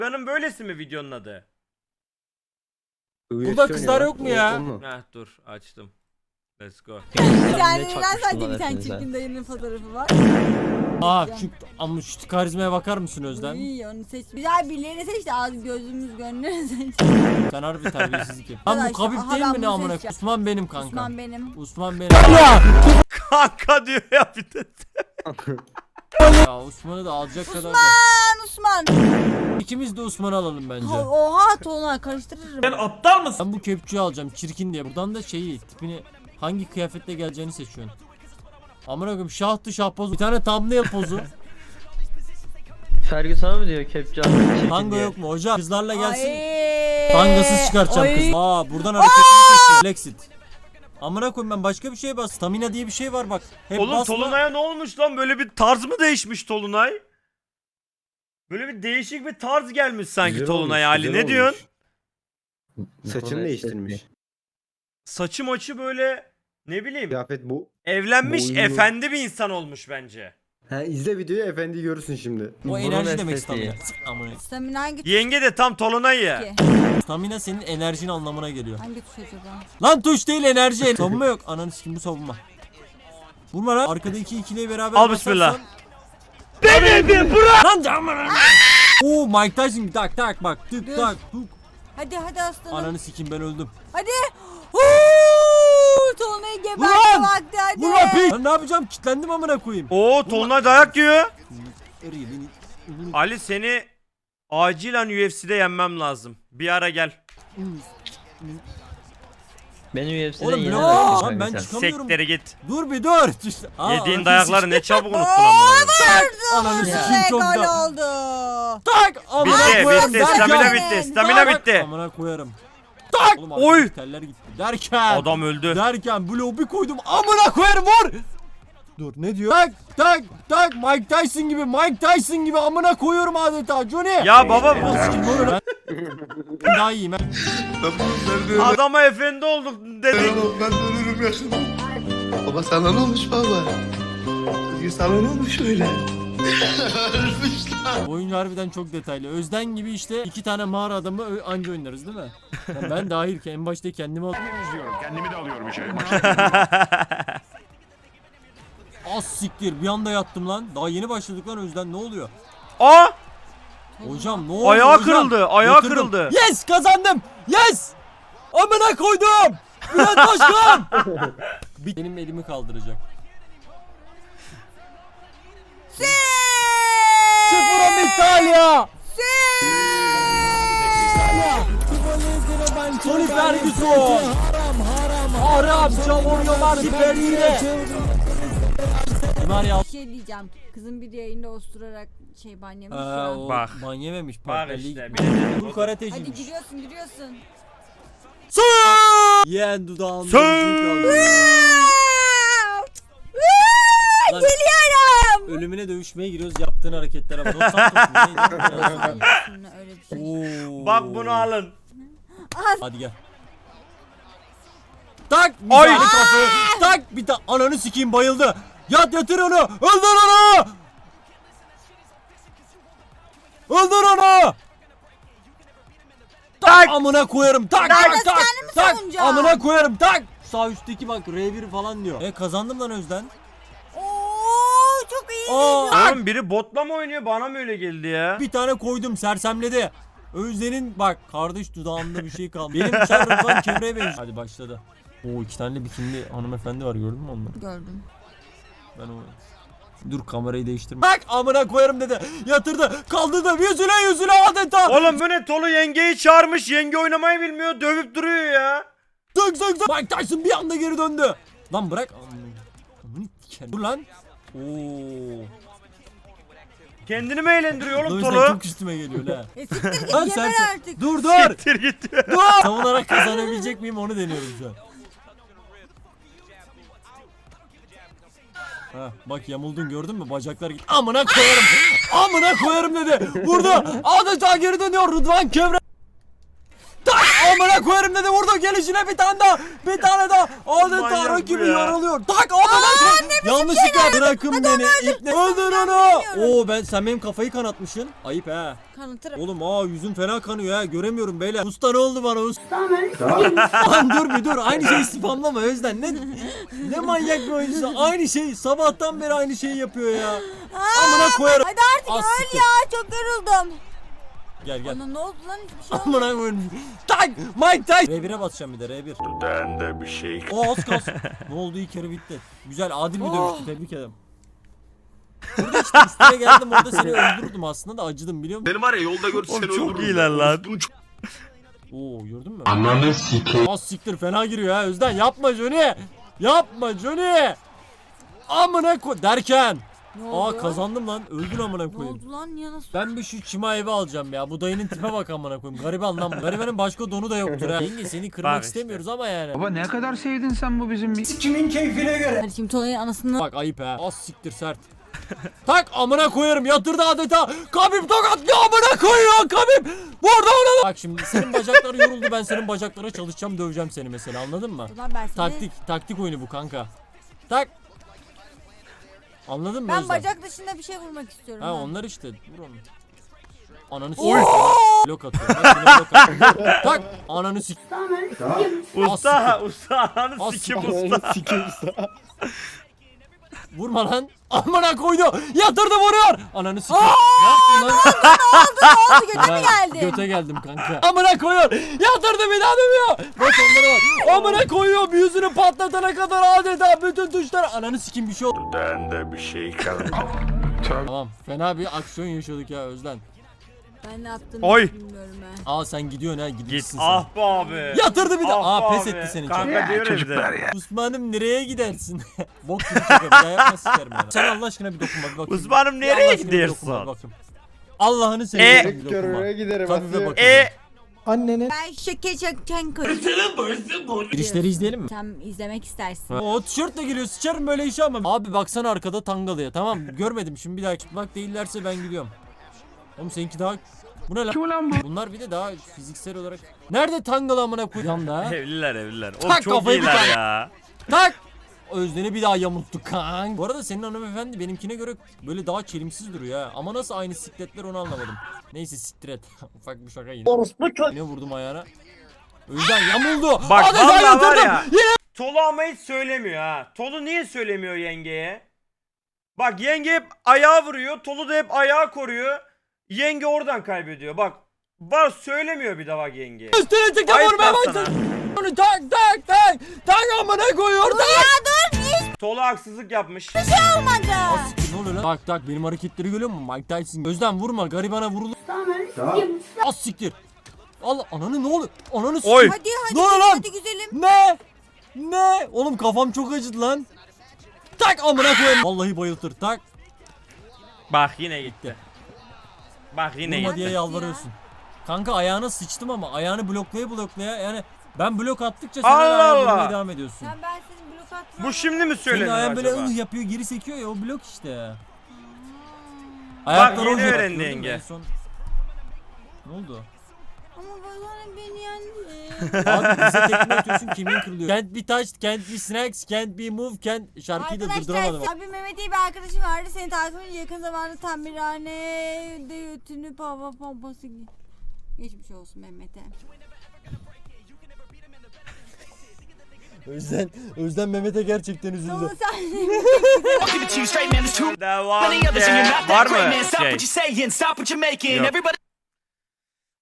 Benim böylesi mi videonun adı? Burada kızlar yok mu ya? Heh dur açtım. Let's go. Bir tane sadece bir tane çirkin dayının fotoğrafı var. Ama şu karizmaya bakar mısın Özlem? İyi onu seç. Güzel birilerini seç de ağzı gözümüz gönlünü seç. Sen harbi terbiyesizlik yap. Lan bu Arkadaşlar, Kabip aha değil ben mi ne bunu amına? seçeceğim. Osman benim kanka. Osman benim. Osman benim. Kanka diyor ya bir de. Ya Osman'ı da alacak kadar da. Osman. İkimiz de Osman'ı alalım bence. Oha Tolunay karıştırırım. Sen aptal mısın? Ben bu kepçeyi alacağım çirkin diye. Buradan da şeyi tipini hangi kıyafetle geleceğini seçiyorsun. Amına koyayım şahtı şah pozu. Bir tane thumbnail pozu. Fergie sana mı diyor kepçe almak Tango yok mu hocam? Kızlarla gelsin. Ay. Tangasız çıkartacağım Ay. kız. Buradan hareketini seçiyor. Flexit. Amına koyayım ben başka bir şeye bas. Stamina diye bir şey var bak. Hep Oğlum basma. Tolunay'a ne olmuş lan? Böyle bir tarz mı değişmiş Tolunay? Böyle bir değişik bir tarz gelmiş sanki Güzel Tolunay olmuş, Ali. güzel Ne diyorsun? Saçını değiştirmiş. Saçı maçı böyle ne bileyim Kıyafet bu. evlenmiş boynu- efendi bir insan olmuş bence. Ha izle videoyu efendi görürsün şimdi. O Burun enerji demek estetiği. stamina. Amına. Stamina hangi tuş Yenge de tam Tolunay ya. ki? Stamina senin enerjin anlamına geliyor. Hangi tuş acaba? Lan tuş değil enerji. Savunma yok. Ananı sikim bu savunma. Vurma lan. Arkada iki ikiliyi beraber Al basarsan- bismillah. Lan camına. Oo Mike Tyson tak tak bak tık Dur. tak tuk. Hadi aslanım. Ananı sikim ben öldüm. Hadi. Tolunay'ı Ulan! gebertme vakti hadi. Vur lan piç. Ben ne yapacağım? Kitlendim amına koyayım. Oo Tolunay dayak yiyor. Eriyor beni. Ali seni acilen UFC'de yenmem lazım. Bir ara gel. Beni UFC'den Oğlum yine blok bıraktın lan kanka ben sen. çıkamıyorum. Sektere git. Dur bir dur. İşte, Yediğin ananı dayakları sikim. ne çabuk unuttun amına. Ananı sikim Ve çok gol da. oldu. Tak amına Bitti koyarım bitti derken. stamina bitti stamina Tak, bitti. Amına koyarım. Tak. Oğlum Oy! arkadaki teller gitti. Derken. Adam öldü. Derken bloğu bir koydum amına koyarım vur. Dur ne diyor? Tak tak tak Mike Tyson gibi amına koyuyorum adeta Johnny. Ya baba Sikim vurun lan. Ben daha iyiyim ben. adama efendi olduk dedik. Ben ölürüm yakında. Baba sana ne olmuş baba? Özgür sana ne olmuş öyle? Ölmüş lan. Oyun harbiden çok detaylı. Özden gibi işte iki tane mağara adamı anca oynarız değil mi? Yani ben dahil ki en başta kendimi Kendimi de alıyorum içeri. az siktir bir anda yattım lan. Daha yeni başladık lan Özden ne oluyor? Aa! Hocam ne oluyor Ayağı hocam? kırıldı, ayağı Yatırdım. kırıldı. Yes kazandım. Yes. Amına koydum. Bülent Başkan. Benim elimi kaldıracak. Sıfırım İtalya. Tony Ferguson. Haram Çamuryolar Siperli'de. Bir şey diyeceğim. Kızın bir yayında osturarak banyemiş ya. Bak. Ban yememiş. Bak partnerliği işte. gitmiş. Bir de Bu Hadi karateciymiş. giriyorsun. Yeğen dudağımda bir Sır. şey kaldı. Lan, Geliyorum. ölümüne dövüşmeye giriyoruz yaptığın hareketlere bak. Dos Santos'un neydi? Öyle bir şey. Oo. Bak bunu alın. Hadi gel. Tak! Ay! Bir tane kafayı. Tak! Bir tane ananı sikeyim bayıldı. Yatır onu. Öldür onu. Öldür onu. Tak! Amına koyarım. Tak tak nasıl tak. kendimi Tak! savunacağım? Amına koyarım. Tak! Sağ üstteki bak R1 falan diyor. Kazandım lan Özden. Oo çok iyi. Oğlum biri botla mı oynuyor? Bana mı öyle geldi ya? Bir tane koydum sersemledi. Özden'in bak kardeş dudağımda bir şey kaldı. Benim çarpıdan kevreye benziyor. Hadi başladı. Oo iki tane bikinli hanımefendi var gördün mü onları? Gördüm. Ben o... Dur kamerayı değiştirme. Bak amına koyarım dedi. Yatırdı. Kaldırdı. Yüzüne adeta. Oğlum bu ne? Tolu yengeyi çağırmış. Yenge oynamayı bilmiyor. Dövüp duruyor ya. Tık. Mike Tyson bir anda geri döndü. Lan bırak. Amına dikerim. Dur lan. Oo. Kendini mi eğlendiriyor oğlum O yüzden Tolu? çok üstüme geliyor la. Siktir git Lan geber sen- artık. Dur. Siktir git. Dur. Savunarak kazanabilecek miyim onu deniyorum şu an. Ha, bak yamuldun gördün mü bacaklar git. Amına koyarım. Amına koyarım dedi. Vurdu. Adeta geri dönüyor Rıdvan Kevre. Tak! Amına koyarım dedi, vurdu gelişine bir tane daha. Bir tane daha. Adeta Manyak bu rakibi ya. yaralıyor. Tak amına koyayım. Yanlışlıkla bırakın beni. İpne. Öldür onu. Oo sen benim kafayı kanatmışsın. Ayıp he. Kanıtırım. Oğlum yüzüm fena kanıyor ha, göremiyorum beyler. Usta ne oldu bana usta? Lan dur aynı şeyi spamlama Özden. Ne manyak bir oyuncusu. Aynı şey sabahtan beri aynı şeyi yapıyor ya. Amına koyarım. Hadi artık Az öl siktir. ya, çok yoruldum. Gel. Bana ne oldu lan, hiçbir şey olmadı. Amına koyarım. Tak Mike Tyson. R1'e basacağım bir de R1. Dudağında bir şey. O az kalsın. Ne oldu, ilk kere bitti. Güzel adil bir dövüştü, tebrik ederim. Burada işte üstüne geldim, orada seni öldürdüm aslında da acıdım biliyor musun? Benim var ya yolda görse Oğlum seni çok öldürürüm. iyiler lan. Bunu çok... Oo gördün mü? Ananı sikeyim. Az siktir fena giriyor ha Özden, yapma Johnny. Yapma Johnny. Amına koy derken. Ne oldu? Kazandım lan, öldün amına Ne koyayım. oldu lan, niye nasıl? Ben bir şu çima evi alacağım ya. Bu dayının tipe bak amına koyayım. Gariban lan. Garibanın başka donu da yoktur ha. Yenge seni kırmak Bak işte. istemiyoruz ama yani. Baba ne kadar sevdin sen bu bizim Hadi şimdi Tolay'ın anasını. Bak ayıp ha. Az siktir sert. Tak amına koyarım, yatırdı adeta. Kabip tokatlıyor amına koyuyor Kabip. Burada ona. Bak şimdi senin bacakları yoruldu, ben senin bacaklara çalışacağım, döveceğim seni mesela, anladın mı? Ulan ben seni... Taktik oyunu bu kanka. Tak. Anladın mı Ben Özlem? bacak dışında bir şey vurmak istiyorum. Ha ben. onlar işte. Vur onu. Ananı s***. Blok atıyor. Bak yine blok atıyor. Tak. Ananı s***. Usta ananı Az sikim siktir. usta. Sikeyim usta. Vurma lan. Amına koydu. Yatırdı, vuruyor. Ananı s***. Ne yaptın lan? Ne oldu, göte mi Ben geldin? Göte geldim kanka. Amına koyuyor. Yatırdı, bir daha dövüyor. Bak onları var. Amına koyuyor. Yüzünü patlatana kadar adeta bütün tuşlar. Ananı sikim bir şey oldu. Dudağında bir şey kaldı. Tamam. Fena bir aksiyon yaşadık ya Özden. Ben ne yaptığımı Oy. bilmiyorum ha. Sen gidiyorsun ha. Git Gidiyorsun sen. ah be abi. Yatırdı bir daha. Ah be Pes abi. etti seni. Kanka diyor ya bir de. Osman'ım nereye gidersin? Bok gibi şaka, bir daha yapma sikerim yani. Sen Allah aşkına bir dokunma bir bakayım. Osman'ım Bir Allah nereye aşkına bir gidiyorsun? dokunma bir bakayım. Allah'ını seversen bir dokunma. Görmeye giderim. Tabii bir Asiye. bakayım. Ben şeke çeken Girişleri izleyelim mi? Sen izlemek istersin. O tişörtle geliyor, sıçarım böyle işe ama. Abi baksana arkada Tangalı'ya, tamam görmedim, şimdi bir daha çıplak değillerse ben gidiyorum. Oğlum seninki daha... Bu ne lan? Bunlar bir de daha fiziksel olarak... Nerede Tangalı amına koyayım da? Evliler. Oğlum Tak, çok kafayı bir iyiler tane. ya. Tak! Özden'i bir daha yamulttuk kan. Bu arada senin hanımefendi benimkine göre böyle daha çelimsiz duruyor ha. Ama nasıl aynı sikletler onu anlamadım. Neyse siktir et. Ufak bir şaka yine. Yine vurdum ayağına. Özden yamuldu. Bak Hadi sen vallahi var yatırdın. ya. Yine. Tolu ama hiç söylemiyor ha. Tolu niye söylemiyor yengeye? Bak yenge hep ayağı vuruyor. Tolu da hep ayağı koruyor. Yenge oradan kaybediyor. Bak söylemiyor bir de bak yenge. Üstüne çıktı, Ayıp vurmaya lan başladı. sana. Onu tak. Tak amına koyuyor. Tak. Tolu haksızlık yapmış. Olmadı. Ne oluyor lan? Tak benim hareketleri görüyor musun? Mike Tyson. Özden vurma, garibana vurulur. Az siktir. Allah ananı, ne oluyor? Ananı siktir. Oy. Hadi Ne oluyor lan? hadi güzelim. Ne? Oğlum kafam çok acıdı lan. Tak amına koyayım. Vallahi bayıltır. Tak. Bak yine gitti. Bak yine Vurma gitti. diye Ya. yalvarıyorsun. Kanka ayağına sıçtım ama ayağını bloklaya yani ben blok attıkça sen Allah hala ayağını Allah. vurmaya devam ediyorsun. Sen ben senin blok atma. Bu şimdi mi Senin söyleniyor ayağın böyle acaba? yapıyor, geri sekiyor ya, o blok işte. Bak, yeni oynuyor, öğrendi gördün mü? yenge. En son- Ne oldu? Ama bana beni yendi. Abi bize tekme atıyorsun, kimin kırılıyor? Can't be touched, can't be snacks, can't be moved, can't... Şarkıyı da durduramadım. Arkadaşlar abi Mehmet diye bir arkadaşım vardı. Seni takip edince yakın zamanda tamirhanede götünü pompası geçmiş olsun Mehmet'e. Özden Mehmet'e gerçekten üzüldü. Sonra sen Devam ki. Var mı şey? Yok.